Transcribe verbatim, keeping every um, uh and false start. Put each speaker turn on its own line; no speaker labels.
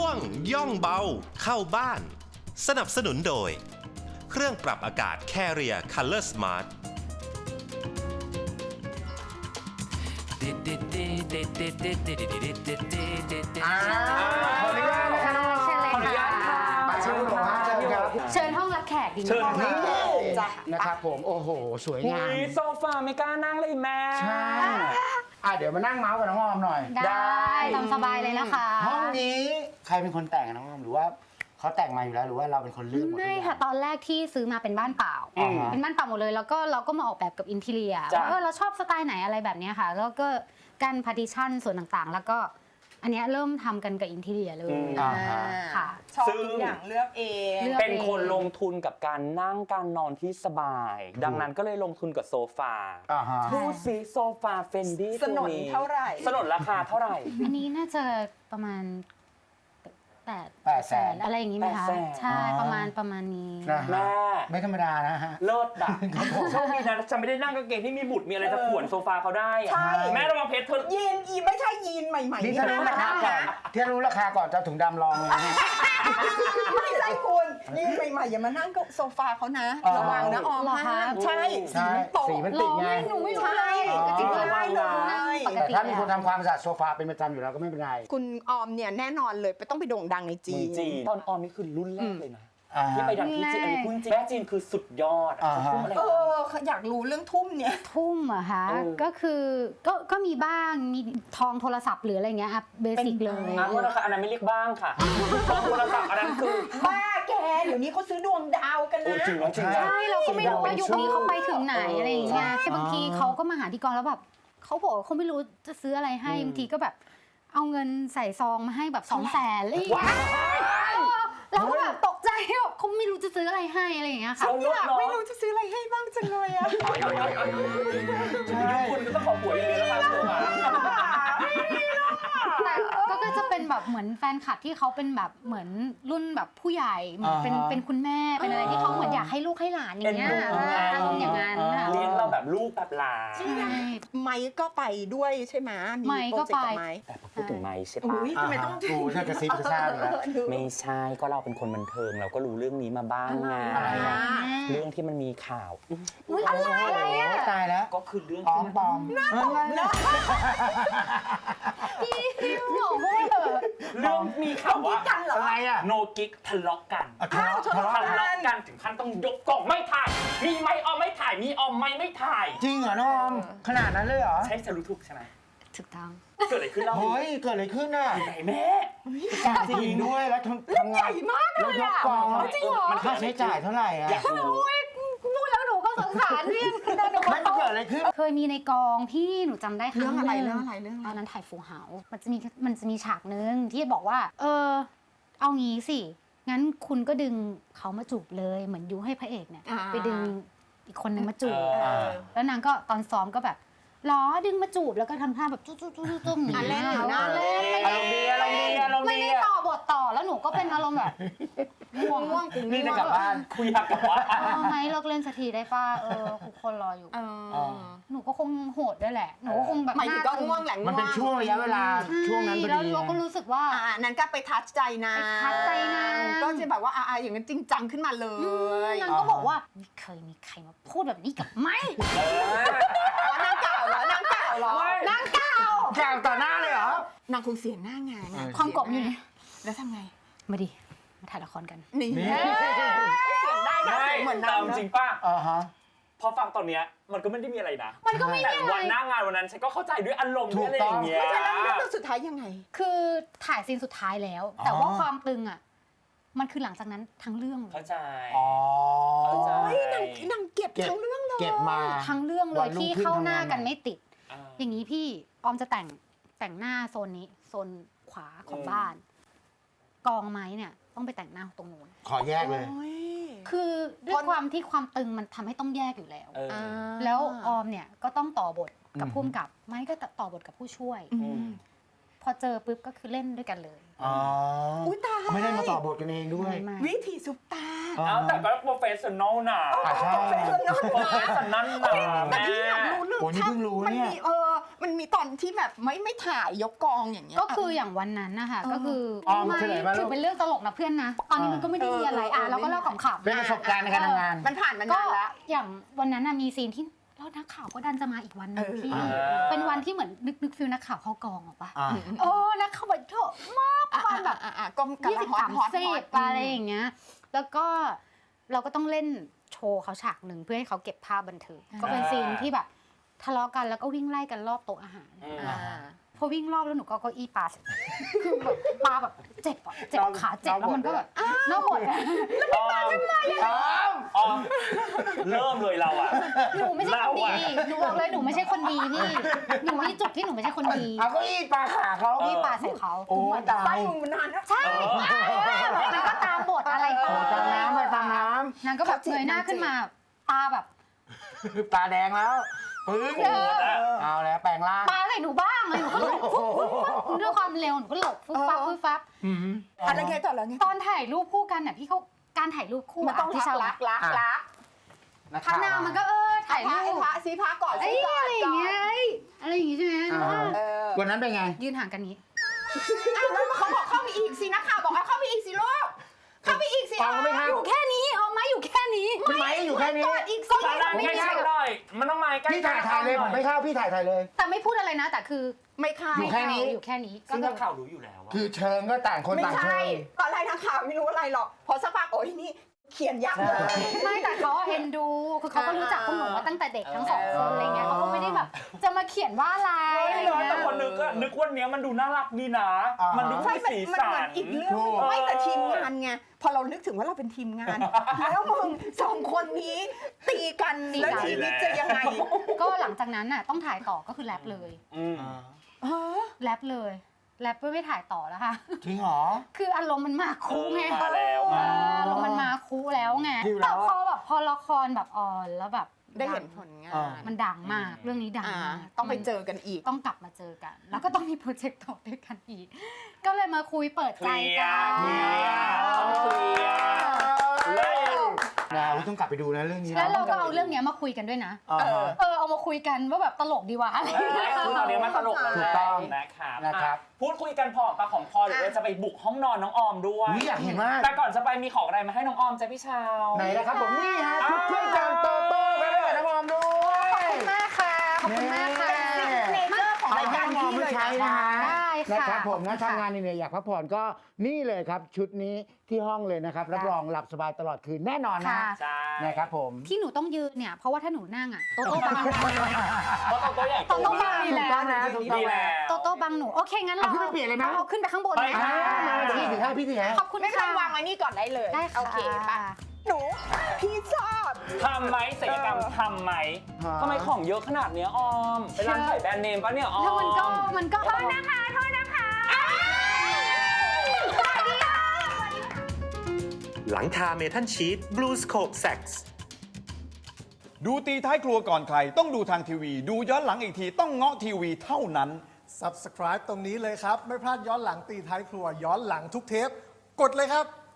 วงย่องเบาเข้าบ้านสนับสนุนโดยเครื่องปรับอากาศ Carrier Color Smart
อ่าขออนุญาตค่ะ
เชิญเลย
ขออนุญาตค่ะ
ค่ะ
เชิญหลวงพ่อเชิญครับ
เชิญห้องรับแขกดีไหม
เชิญ
คะ
นี่
จ้ะ
นะครับผมโอ้โหสวยงาม
อุ๊ยโซฟาไม่กล้านั่งเลยแม่
ใช่อ่ะเดี๋ยวมานั่งเมาส์กับน้องออมหน่อย
ได้ตามสบายเลยนะคะ
ห้องนี้ใครเป็นคนแต่งน้องออมหรือว่าเขาแต่งมาอยู่แล้วหรือว่าเราเป็นคนเลือกหมดทุก
ไม่
อย่าง
ค่ะตอนแรกที่ซื้อมาเป็นบ้านเปล่า
อืม
เป็นบ้านเปล่าหมดเลยแล้วก็เราก็มาออกแบบกับอินทีเรีย
จ้ะ
ว่าเออเราชอบสไตล์ไหนอะไรแบบเนี้ยค่ะแล้วก็การพาร์ติชันส่วนต่างๆ แล้วก็อันเนี้ยเริ่มทำกันกับอินทีเรียเลย
อ่าฮะ
ค่ะ
ชอบ
ซึ่ง
ทุกอย่างเลือกเอง
เลือก
เป็นคนลงทุนกับการนั่งการนอนที่สบาย ดังนั้นก็เลยลงทุนกับโซฟา
อ่าฮะ
ดูสิโซฟาเฟนดี้
สนนเท่าไหร่
สนนราคาเท่าไหร่
อันนี้น่าจะประมาณแปด
แปดแสน
อะไรอย่างงี้ไหมคะ
แปดแสน
ใช่ประมาณประมาณนี้
นะฮะ
แม่
ไม่ธรรมดานะฮะ
เลิศอ่ะโชคดีนะฉันไม่ได้นั่งกางเกงที่มีบุตรมีอะไรจะขวนโซฟาเขาได้อะ
ใช่
แม่ระวังเพชรเธอ
ยีนอีไม่ใช่ยีนใหม่ๆ
นี่
นี่
ถ้ารู้ราคาก่อนที่รู้ราคาก่อนจะเอาถุงดำลองเลยนะฮะ
ไม่ใช่คุณยีนใหม่ๆอย่ามานั่งกับโซฟาเขานะ
อ๋อ
ระวังนะออม
เหรอคะ
ห้ามใช่
ใช่
สีมันตก
สีมันติดไง
หนูไม่รู้เลย
อ๋อ
ก็จริงๆ
ระวังนะ
ปก
แต่
ติ
ถ้ามีคนทำความสะอาดโซฟาเป็นประจำอยู่แล้วก็ไม่เป็นไร
คุณออมเนี่ยแน่นอนเลยไปต้องไปโด่งดังในจี
จี
น
จีนตอนออมนี่คือรุ่นแรกเลยนะ
อ่า
ที่
ฮะ
ไปดังที่จีนอันนี้พูดจริงแม่จีนคือสุดยอดอะ
อ่าฮะ
เขาพูดอะไร
เอ
นะ
ออยากรู้เรื่องทุ่มเนี่ย
ทุ่มเหรอะคะ
เออ
ก็คือก็ก็มีบ้างมีทองโทรศัพท์หรืออะไรเงี้ยอ่ะเบสิกเลย
อ่ะโทษนะคะอันนั้นไม่เรียกบ้างค่ะทองโทรศัพท์อันนั้นคือ
บ้าแกเดี๋ยวนี้เขาซื้อดวงดาวกัน
โอ้
นะ
จริงเหรอจริงเหรอ
ใช่เราก็ไม่รู้ว่ายุคนี้เขาไปถึงไหน
เอออ
อะไรอย่างเงี้ย
ใช่
บางทีเขาก็มาหาที่กองแล้วแบบเขาบอกว่าเขาไม่รู้จะซื้ออะไรให้
อืม
บางทีก็แบบเอาเงินใส่ซองมาให้แบบสองแสนอะไรอย่างเงี้ยเราก็แบบตกใจแบบเขาไม่รู้จะซื้ออะไรให้อะไรอย่างเงี้ยค่ะ
เอาลด
อยาก
เนาะ
ไม่รู้จะซื้ออะไรให้บ้างจังเลยอะ
ยุคคุณก็ต้องขอหวยอย่างเดียวแล้วค่ะตัวมา
แต่ก็ก็จะเป็นแบบเหมือนแฟนคลับที่เขาเป็นแบบเหมือนรุ่นแบบผู้ใหญ่เหมือนเป็น
อ่าฮะ
เป็นคุณแม่เป็นอะไรที่เขาเหมือนอยากให้ลูกให้หลานอย่างเงี้ย
เอ็นดูไง
อารมณ์อย่างนั้นค่ะ
เลี้ยงเราแบบลูกแบบหลาน
ใช่
ไมค์ก็ไปด้วยใช่ไหมมี
ไมค์ก็
โปรเจกต์
ไป
กับไมค์
แต่พอพูดถึงไม้ใช่ปะ
อุ๊ย ทำไมต้อง
กูเธอกระซิบกระซาบอยู่แล้ว
ไม่ใช่ก็เราเป็นคนบันเทิงเราก็รู้เรื่องนี้มาบ้างไง
อะไรอ่ะ
เรื่องที่มันมีข่าว
อุ้ยอะไรอะไรอ่ะ
โตายแล้ว
ก็คือเรื่อง
ปลอ
ที่
มปลอมน่าตกนะ
พี่บอกว่าเถอะ
เรื่องมีข่าวว่า
กันเหรอ
อะไรอ่ะ
โนกิ๊กทะเลาะกัน
อ่ะทะเลาะทะเลาะ
ทะเลาะกันถึงขั้นต้องยกกล่องไม่ถ่าย มีไม่ออมไม่ถ่าย มีออมไม่ไม่ถ่าย
จริงเหรอน้องออมขนาดนั้นเลยเหรอ
ใช่ฉันรู้ถูกใช่ไหม
ถูกต้อง
เกิดอะไรขึ้นเล่าสิ
เฮ้ยเกิดอะไรขึ้นน่ะ
ไหนแม่
การจริงด้วยแล้วทำทำงาน
ใหญ่มากเลยอะ
แล้วยกกอง
จริงเหรอ
มันค่าใช้จ่ายเท่าไหร่อ่ะ
อยากรู้
พูดแล้วหนูก็สงสารพี่หนู
ไม่มันเกิดอะไรขึ้น
เคยมีในกองพี่หนูจำได้ครั้
เรื่องอะไร
ห
เรื่องอะไรเรื่องอะไร
ตอนนั้นถ่ายฟูเฮาส์มันจะมีมันจะมีฉากนึงที่บอกว่า เออ เอางี้สิงั้นคุณก็ดึงเขามาจูบเลยเหมือนยุให้พระเอกเนี่ย
อ่า
ไปดึงอีกคนนึงมาจูบ
เออ
แล้วนางก็ตอนซ้อมก็แบบล้อดึงมาจูบแล้วก็ทำท่าแบบจุ๊จุ๊จุ๊จุ๊จุ๊อย่าง
อ่ะเล่นอยู่นะ
เล่น
อารมณ์ดีอารมณ์ดีอารมณ์
ไม่
ดี
ได้ต่อบทต่อแล้วหนูก็เป็นอารมณ์แบบง่วงง่วง
นี่จะกลับบ้าน
คุยอยากกลับบ้าน
เออไหมเลิกเล่นสักทีได้ป่ะเออทุกคนรออยู่
เออ
หนูก็คงโหดด้วยแหละ หนูก็คงแบบ
หมายถึงก็ง่วงแหละ
มันเป็นช่วงระยะเวลาช่วงนั้นพอ
แล้ว
ดี
เราก็รู้สึกว่า
อ่านั้นก็ไปทัชใจนาง
ไปทัชใจนาง
ก็จะแบบว่าอ่าอย่างนั้นจริงจังขึ้นมาเลย
นางก็บอกว่าไม่เคยมีใครมาพูดแบบนี้กับไม่
เออ
อ๋อนางเก่าเหรอนางเก่าเหรอ
ไม่
นางเก่าก
ลางต่อหน้าเลยเหรอ
นางคงเสียหน้างานอะ
ความกบอยู่นี่
แล้วทำไง
มาดิ มาถ่ายละครกัน
นี่
นี่
เสียงได้นะ
ไม่
เสียงเหมือน
แต่
นาง
เอาจริง
นะ
ป่ะ
อ่าฮะ
พอฟังตอนเนี้ยมันก็ไม่ได้มีอะไรนะ
มันก็ไม่
แต่
มีอะไร
วันหน้างานวันนั้นฉันก็เข้าใจด้วยอารมณ์
ถู
ด้วย
ก
อะไรอย่างเงี้ย
แล้วเรื่องสุดท้ายยังไง
คือถ่ายซีนสุดท้ายแล้ว แต่
อ๋อ
ว่าความตึงอ่ะ มันคือหลังจากนั้นทั้งเรื่องเลย
เข้าใจ
อ๋อ
เข้าใจ
เฮ้ยนางนางเก็บ
เก็บ
ทั้งเรื่องเลย
เก็บมา
ทั้งเรื่องเล
วั
ย
นรุ่ง
ที่
ขึ้น
เข้าหน้า
ทำงาน
กันไม่ติด
อ่า
อย่างนี้พี่ออมจะแต่งแต่งหน้าโซนนี้โซนขวาของ
อืม
บ้าน กองไม้เนี่ยต้องไปแต่งหน้าตรงนู้น
ขอแยกเลย
โอ้ย
คือด้ว
ค
ย
น
ความที่ความตึงมันทำให้ต้องแยกอยู่แล้ว
เออ
อ่า
แล้วออมเนี่ยก็ต้องต่อบทกับ
อืม
ผู้กำกับไม่ก็ต่อบทกับผู้ช่วย
อืม
พอเจอปุ๊บก็คือเล่นด้วยกันเลย
อ๋อ
อุ้ยตาย
ไม่ได้มาต่อบทกันเองด้วย
ไม่
วิถีซุปตา
เอาแต่ก็โปรเฟสชั่นอลนะ
อ่าใช่
โปรเฟสชั่นอล
โปรเฟสชั่นอลนะ
แต่
แม่
พี่อยากรู้เรื่อง
โอ้นี่เพิ่งรู้
มัน
เนี่ย
มีเออมันมีตอนที่แบบไม่ไม่ถ่ายยกกองอย่างเงี้ย
ก็คืออย่างวันนั้นนะคะก็คือ
ออม
ไม่
เฉลยมาลูก
ถือเป็นเรื่องตลกนะเพื่อนนะ ตอนนี้มันก็ไม่ได้มีอะไรอ่ะเราก็เล่าขำๆ
เป็นประสบการณ์ในการทำงาน
มันผ่านมา
ก็
นานแล้ว
อย่างวันนั้นน่ะมีซีนที่แล้วนักข่าวก็ดันจะมาอีกวันหนึง
เออ
พี่
อ่า
เป็นวันที่เหมือนนึกนึกฟิลนักข่าวเข้ากองออกปะ
อ่า
โอ้นักข่าวแบบเถอะมากความแบบ
อ่ะอ่ะอ่ะก็กำ
ยี่
ลั
สิ
ง
บ
ฮอ
สา
ต
ม
ฮอต
สิ
ฮอต
บอะไรอย่างเงี้ย แล้วก็เราก็ต้องเล่นโชว์เขาฉากหนึ่งเพื่อให้เขาเก็บภาพบันทึกก็เป็นซีนที่แบบทะเลาะกันแล้วก็วิ่งไล่กันรอบโต๊ะอาหาร
อ่า
พอวิ่งรอบแล้วหนูก็เอาเก้าอี้ปาใส่คือแบบปาแบบเจ็บอะเจ็บขาเจ็บแล้วมันก็แบบน่าหดอะ
ออมออมเริ่มเลยเราอ่ะ
หนูไม่ใช่คนดี
เราอะ
หนูบอกเลยหนูไม่ใช่คนดีพี่ หนูมีจุดที่หนูไม่ใช่คนดี
เอาเก็อีปลาขาเขา
พี่ปาใส่เขา
โอ้ยตา
ไส้
ย
มึงมันนานนะ
ใช่แล้วก็ตามบทอะไรต่
โอ้
อ
ตามน้ำไปตามน้
นางก็แบบเงยหน้าขึ้นมาตาแบบ
ำตาแดงแล้วปึ้งเอาแล้วแปลงร่าง
ปาใส่หนูบ้างเลยหนูก็หลบฟุ๊บฟุ๊บฟุ๊บด้วยความเร็วหนูก็หลบฟุ๊บฟับฟุ๊บฟับ
อืม
อะไรไงต่อแล้วไง
ตอนถ่ายรูปคู่กันน่ะพี่เขาการถ่ายรูปคู่
มันต้อง
ะที่
รัก
ชาว
รักรักรัก
นัก
ข้า
ข่าง ว
หน้ามันก็เออถ่าย
พ
รู
ระไอ้
ป
พระซีพระก่อน
เอ้
ซี
ย
ก่อ
อะ
น
ไรอย่างเงี้ยเอ้ยอะไรอย่างงี้ใช่ไหม
อ่า
เออ
วันนั้นเป็นไง
ยืนห่างกันนี้
อ้าวแล้วเขาบอกเข้าไปอีกสินักข่าวบอกเอาเข้าไปอีกสิลูกเข้าไปอีกสิ
ออมก็ไม่เข้า
อยู่แค่นี้เอาไหมอยู่แค่นี้
พี่ไม้อยู่แค่นี้
กอดอีกสิ
ตอนนั้นใกล้ๆหน่อย มันต้องมาใกล้ๆ
พี่ถ่ายถ่ายเลยผมไม่เข้าพี่ถ่ายถ่ายเลย
แต่ไม่พูดอะไรนะ แต่คือ
ไม่เข้า
อยู่แค่นี้
อยู่แค่นี้ก็
ซึ่ง
คื
นั
อก
ข่าวรู้อยู่แล้วอะ
คือเชิงก็ต่างคน
ไม่
ต่างเชิ
ใช่
ง
ตอนแรกนักข่าวไม่รู้อะไรหรอกพอสักพักโอ้ยนี่เขียนยับเลย
ไม่แต่เขาเอ็นดูคือเขาก็รู้จักพวกหนูมาตั้งแต่เด็กทั้งสองคนอะไรเงี้ยเขาก็ไม่ได้แบบจะมาเขียนว่าอะไรอะไร
ไม่เลย
เงี้
แต่
ย
คนนึกอะนึกวันเนี้ยมันดูน่ารักดีนะ
อ่ามั
มันดู
ใช่
มี
มัน
สี
มันเหมื
สั
อน
น
อีกเรื่อง
ถูก
ไม่แต่ทีมงานไงพอเรานึกถึงว่าเราเป็นทีมงาน แล้วมึงสองคนนี้ตีกันแล้วชีวิตจะยังไง
ก็หลังจากนั้นน่ะต้องถ่ายต่อก็คือแรปเลย
อืม
เออ
แรปเลยแรปไม่ถ่ายต่อแล้วค่ะ
จริงเหรอ
คืออารมณ์มันมาคูไง
เออมาแล้ว
เอออารมณ์มันมาคูแล้วไง
คิวแล้
แต่
ว
พอแบบพอละครแบบออนแล้วแบบ
ได้เห็นผลงาน
อ่า
มันดังมากเรื่องนี้ดัง
อ่าม
าก
ต้องไปเจอกันอีก
ต้องกลับมาเจอกัน แล้วก็ต้องมีโปรเจกต์ต่อด้วยกันอีก ก็เลยมาคุยเปิด
เค
ใจ
ลีย
กั
ร์
น
เคลียร์ต้องเคลียร์เลิก
เราต้องกลับไปดูนะเรื่องนี้นะ
แล้วเราก็เอาเรื่องเนี้ยมาคุยกันด้วยนะ
อ่าฮะ
เออเอามาคุยกันว่าแบบตลกดีวะอะไร
เออคือตอนนี้มันตลกแล้ว
ถูกต้อง
นะครับ
นะครับ
อ่ะพูดคุยกันพอปากของพอเดี๋ยวเราจะไปบุกห้องนอนน้องออมด้วย
อุ๊ยอยากเห็นมาก
แต่ก่อนจะไปมีของอะไรมาให้น้องออมจ้ะพี่ชาว
ไหนนะครับผมนี่ฮะชุดเครื่องจักรโตโต้กันด้วยน้องออมด้วย
ขอบคุณมากค่ะ ขอบคุณมากค่ะ
เนเจอร์ของ
เอา
ราย
ให้
การ
น้องออม
พี่
ไป
เลย
ใช้
นะ
นะฮะ
ได้ค่ะ
นะครับผมนะ
ขอบคุณค่ะ
ทำงานเหนื่อยๆอยากพักผ่อนก็นี่เลยครับ ชุดนี้ที่ห้องเลยนะครับรับรองหลับสบายตลอดคืนแน่นอนนะ
ค่ะ
ใช่
นะครับผม
ที่หนูต้องยืนเนี่ย เพราะว่าถ้าหนูนั่งอ่ะโตโต้บัง
เพราะตัวใหญ่
โตโต้บัง
ถูกต้องนะถูกต้อง
ดี
นะ
แล้ว
โตโต้บังหนู โอเค งั้นเรา
เอาขึ้นไปเปลี่ยนเลยไหม
เอาขึ้นไปข้างบน
ไป
เลย
อ่า
ค่ะ
มาพี่ถือให้พี่ถือให้
ขอบคุณ
ไม่ต้
ค่ะ
องวางไว้นี่ก่อนได้เลย
ได้ค่ะ
โอเคป่ะหนูพี่ชอบ
ทำไหมศัลยกรรมทำไหม
ฮะ
ทำไมของเยอะขนาดเนี้ยออมไปร้านขายแบรนด์เนมปะเนี่ยออม
แล้วมันก็มันก็โทษนะคะโทษนะคะสวัสดีค่ะ
หลังคาเมทัลชีตบลูสโคปแซกซ์
ดูตีท้ายครัวก่อนใคร ต้องดูทางทีวี ดูย้อนหลังอีกทีต้องเงาะทีวีเท่านั้น
Subscribe ตรงนี้เลยครับ ไม่พลาดย้อนหลังตีท้ายครัว ย้อนหลังทุกเทป กดเลยครับ